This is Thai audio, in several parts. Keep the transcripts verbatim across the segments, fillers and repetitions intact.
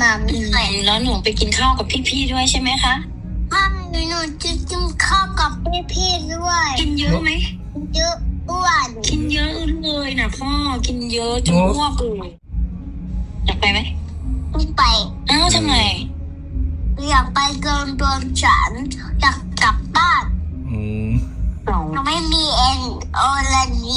มาไม่ไหวแล้วหนูไปกินข้าวกับพี่ๆด้วยใช่ไหมคะถ้าหนูจะกินข้าวกับพี่ๆด้วยกินเยอะไหมเยอะอ้วนกินเยอะเลยนะพ่อกินเยอะจนอ้วกเลยอยากไปไหมไม่ไปอ้าวทำไมอยากไปเกินโดนฉันอยากกลับบ้านอืมหนูไม่มีเอ็นโอลาดี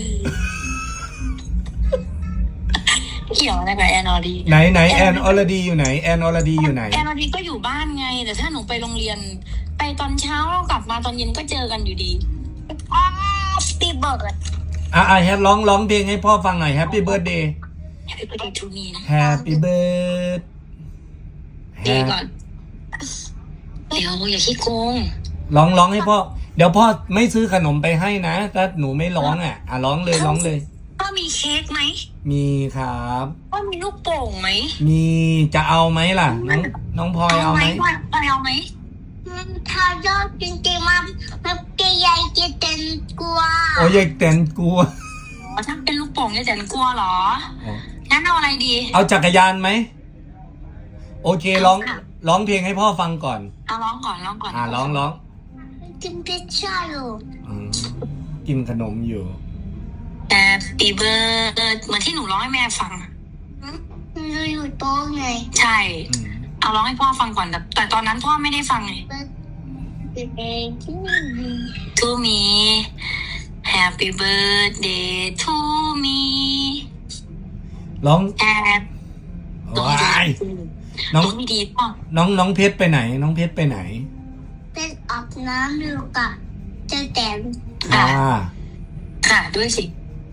เกี่ยวอะไรกับแอนออดีไหนไหนแอนออลดีอยู่ไหนแอนออลดีอยู่ไหนแอนออดีก็อยู่บ้านไง แต่ถ้าหนูไปโรงเรียน ไปตอนเช้าแล้วกลับมาตอนเย็นก็เจอกันอยู่ดีอ้าวปีเบิร์ดอ่ะอ่ะแฮปร้องร้องเพลงให้พ่อฟังหน่อย Happy Birthday Happy birthday to me นะ Happy Birthday ดีก่อน เดี๋ยวอย่าขี้โกงร้องร้องให้พ่อ เดี๋ยวพ่อไม่ซื้อขนมไปให้นะถ้าหนูไม่ร้องอ่ะอ่ะร้องเลยร้องเลยพ่อมีเค้กไหมมีครับพ่อมีลูกโป่งไหมมีจะเอาไหมล่ะ น้องน้องพลอยเอาไหมพ่อเอาไหมถ้ายอดจริงๆมันมันจะใหญ่จะเต็มกว่าโอ้ยายแตนกลัวอ๋อถ้าเป็นลูกโป่งเนี่ยแต่กลัวเหรออ๋องั้นเอาอะไรดีเอาจักรยานไหมโอเคร้องร้องเพลงให้พ่อฟังก่อนเอาร้องก่อนร้องก่อนอ่าร้องร้องกินพิซซ่าอยู่อืมกินขนมอยู่แต่ปีเบิร์ดเหมือนที่หนูร้องให้แม่ฟังหนูอยู่โต๊ะไงใช่อืมเอาร้องให้พ่อฟังก่อนแต่แต่ตอนนั้นพ่อไม่ได้ฟังไงเป็นเองที่ To me Happy birthday to me ร้อง and ว้ายน้องไม่ดีพ่อน้องน้องเพชรไปไหน น้องเพชรไปไหนเป็นอาบน้ำอยู่กับเจะแตมอ่าค่ะด้วยสิ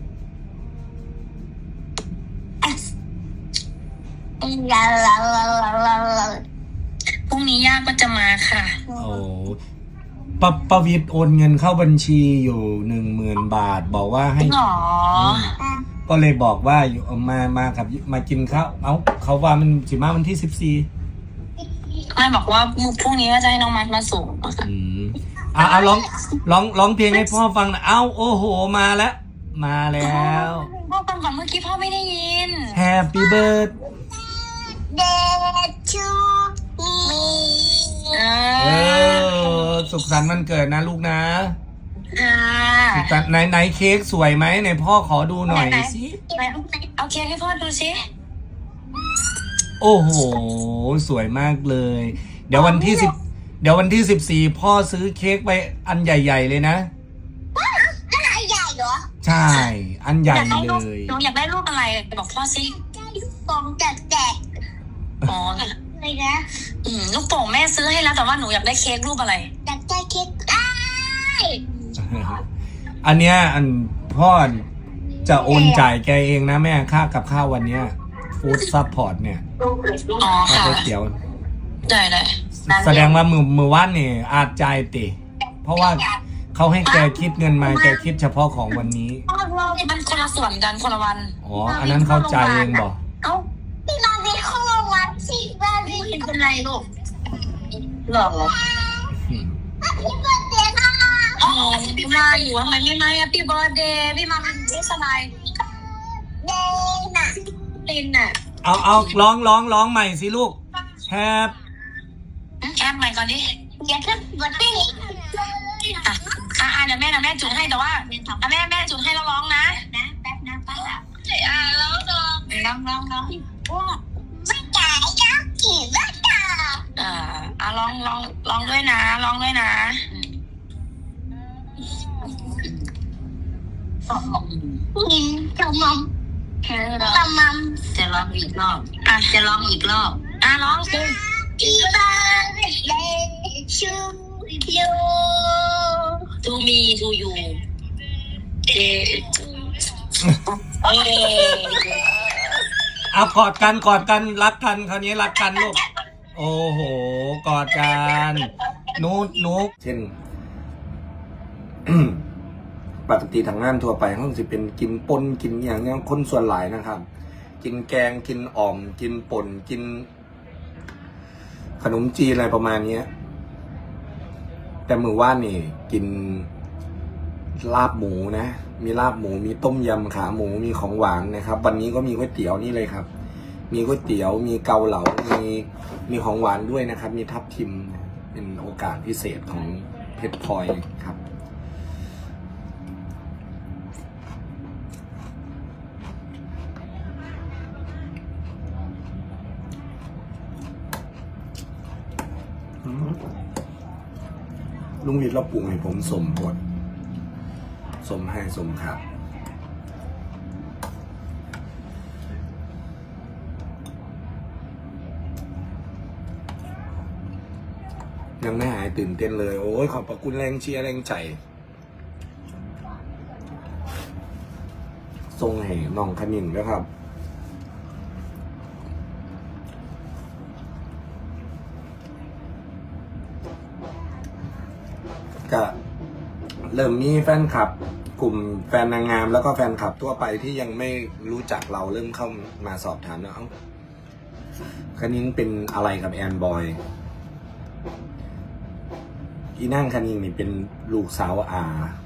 ลาลาลาลาลาลาพรุ่งนี้ย่าก็จะมาค่ะโอ้ปะประวิตรโอนเงินเข้าบัญชีอยู่หนึ่งหมื่นบาท บอกว่าให้หรอก็เลยบอกว่าอยู่เอามามากับมากินข้าวเอ้าเขาว่ามันสิมาวันที่สิบสี่แม่บอกว่าพรุ่งนี้ก็จะให้น้องมัดมาส่งค่ะอืมอ่ะเอาร้องร้องร้องเพลงให้พ่อฟังหนะเอ้าโอ้โหมาแล้ว มาแล้วพ่อฟังก่อนเมื่อกี้พ่อไม่ได้ยิน Happy Birthday เดชูมีเออสุขสันต์วันเกิดนะลูกนะค่ะสุขสันต์ไหนไหนเค้กสวยไหมไหนพ่อขอดูหน่อยสิไหนเอาเค้กให้พ่อดูสิโอ้โห สวยมากเลย เดี๋ยววันที่สิบเดี๋ยววันที่สิบสี่พ่อซื้อเค้กไปอันใหญ่ๆเลยนะอะไรใหญ่เหรอใช่ อันใหญ่อยากได้เลรูปยหนูอยากได้รูปอะไรบอกพ่อสิฟองแตกอ๋อๆเลยนะอืมลูกโป่งแม่ซื้อให้แล้วแต่ว่าหนูอยากได้เค้กรูปอะไรอยากได้เค้กได้อันเนี้ยอันพ่อจะโอนจ่ายแกเองนะแม่ค่ากับข้าววันเนี้ยฟู้ดซัพพอร์ตเนี่ยอ๋อค่าค่ะก๋วยเตี๋ยวได้ได้แสดงว่ามือมือว่านนี่อาจจ่ายติเพราะว่าเขาให้แกคิดเงินมาแกคิดเฉพาะของวันนี้มันคนละส่วนกันคนละวันอ๋อ อันนั้นเขาจ่ายเองบอกเอ้าพี่มาเป็นข้อวัดสิว่าพี่ไม่เป็นไรลูกหรอพี่เปิดเสียงค่ะอ๋อพี่มาอยู่ทำไมไม่มา Happy birthday พี่มาเป็นที่สบายเดน่ะลินน่ะเอาเอาร้องร้องร้องใหม่สิลูกแฮปแอปใหม่ก่อนดิอย่าเพิ่งเปิดให้อ่ะอ่ะอ่ะเดี๋ยวแม่เดี๋ยวแม่จุดให้แต่ว่าอ่ะแม่แม่จุดให้แล้วร้องนะนะแป๊บนะป้าอ่ะร้องร้องร้องร้องร้องไม่จ่ายก็กี่ไม่จ่ายอ่าอ่ะร้องร้องร้องด้วยนะร้องด้วยนะกินขนมขนมจะร้องอีกรอบอ่ะจะร้องอีกรอบอ่ะร้องสิที่บ้านเล่นชูยู to me to you เอเอเอากอดกันกอดกันรักกันคราวนี้รักกันลูกโอ้โหกอดกันนูดนูดเช่น ปกติทางงานทั่วไปเขาจะเป็นกินปนกินอย่างเนี้ยคนส่วนหลายนะครับ กินแกงกินอ่อม กินป่นกิน ขนมจีนอะไรประมาณเนี้ยแต่มือว่านนี่กินลาบหมูนะ มีลาบหมูมีต้มยำขาหมูมีของหวานนะครับ วันนี้ก็มีก๋วยเตี๋ยวนี่เลยครับมีก๋วยเตี๋ยวมีเกาเหลามีมีของหวานด้วยนะครับ มีทับทิมเป็นโอกาสพิเศษของเพชรพลอยครับลุงวิทย์เราปรุงให้ผมสมบทสมให้สมครับยังไม่หายตื่นเต้นเลย โอ้ยขอบพระคุณแรงเชียร์แรงใจทรงให้น้องคณินด้วยครับก็เริ่มมีแฟนคลับกลุ่มแฟนนางงามแล้วก็แฟนคลับทั่วไปที่ยังไม่รู้จักเราเริ่มเข้ามาสอบถามว่าเอ้าคณินเป็นอะไรกับแอนบอยอีนั่งคณินนี่เป็นลูกสาวอา